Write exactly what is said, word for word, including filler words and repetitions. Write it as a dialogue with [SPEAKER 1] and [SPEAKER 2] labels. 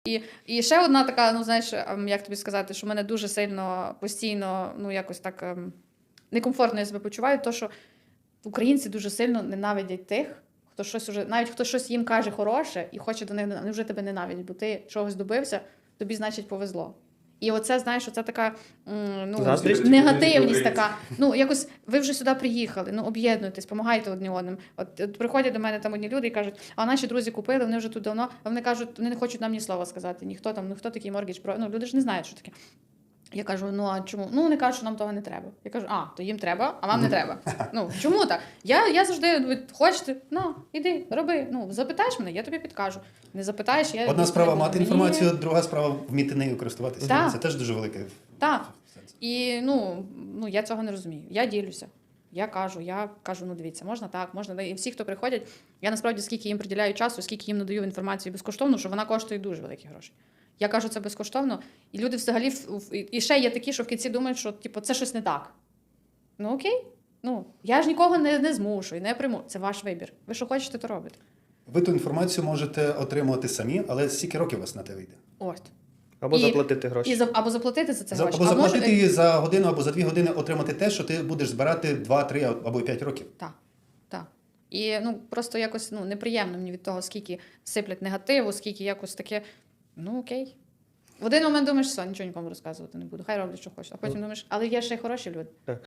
[SPEAKER 1] І, і ще одна така, ну знаєш, ем, як тобі сказати, що мене дуже сильно постійно, ну якось так ем, некомфортно я себе почуваю, то що українці дуже сильно ненавидять тих, хто щось уже, навіть хто щось їм каже хороше і хоче до них, вони вже тебе ненавидять, бо ти чогось добився, тобі, значить, повезло. І оце, знаєш, оце така м, ну,
[SPEAKER 2] Заздрість?
[SPEAKER 1] негативність така. Ну, якось ви вже сюди приїхали, ну, об'єднуйтесь, допомагайте одне одним. От, от приходять до мене там одні люди і кажуть, а наші друзі купили, вони вже тут давно, а вони кажуть, вони не хочуть нам ні слова сказати, ніхто там, ну хто такий моргідж про. Ну, люди ж не знають, що таке. Я кажу, ну а чому? Ну, вони кажуть, що нам того не треба. Я кажу, а, то їм треба, а вам не треба. Ну, чому так? Я, я завжди, ви хочете, ну, іди, роби. Ну, запитаєш мене, я тобі підкажу. Не запитаєш, я...
[SPEAKER 3] Одна справа мати
[SPEAKER 1] Мені-
[SPEAKER 3] інформацію, друга справа вміти нею користуватися.
[SPEAKER 1] Так.
[SPEAKER 3] Це теж дуже велике.
[SPEAKER 1] Так. І, ну, ну, я цього не розумію. Я ділюся. Я кажу, я кажу, ну дивіться, можна так, можна. І всі, хто приходять, я насправді скільки їм приділяю часу, скільки їм надаю інформацію безкоштовно, що вона коштує дуже великі гроші. Я кажу це безкоштовно, і люди взагалі, в- в- і ще є такі, що в кінці думають, що типу, це щось не так. Ну окей, ну, я ж нікого не, не змушую, не приму. Це ваш вибір. Ви що хочете, то робите.
[SPEAKER 3] Ви ту інформацію можете отримувати самі, але скільки років у вас на те вийде?
[SPEAKER 1] От.
[SPEAKER 2] Або
[SPEAKER 1] І-
[SPEAKER 2] заплатити гроші.
[SPEAKER 1] І за, або заплатити за це
[SPEAKER 3] За,
[SPEAKER 1] гроші.
[SPEAKER 3] або
[SPEAKER 1] а може-
[SPEAKER 3] заплатити її за годину, або за дві години отримати те, що ти будеш збирати два, три або п'ять років.
[SPEAKER 1] Так, так. І ну, просто якось ну, неприємно мені від того, скільки сиплять негативу, скільки якось таке, ну окей. В один момент думаєш, все, нічого нікому розказувати не буду, хай роблять, що хочуть. А потім думаєш, але є ще й хороші люди.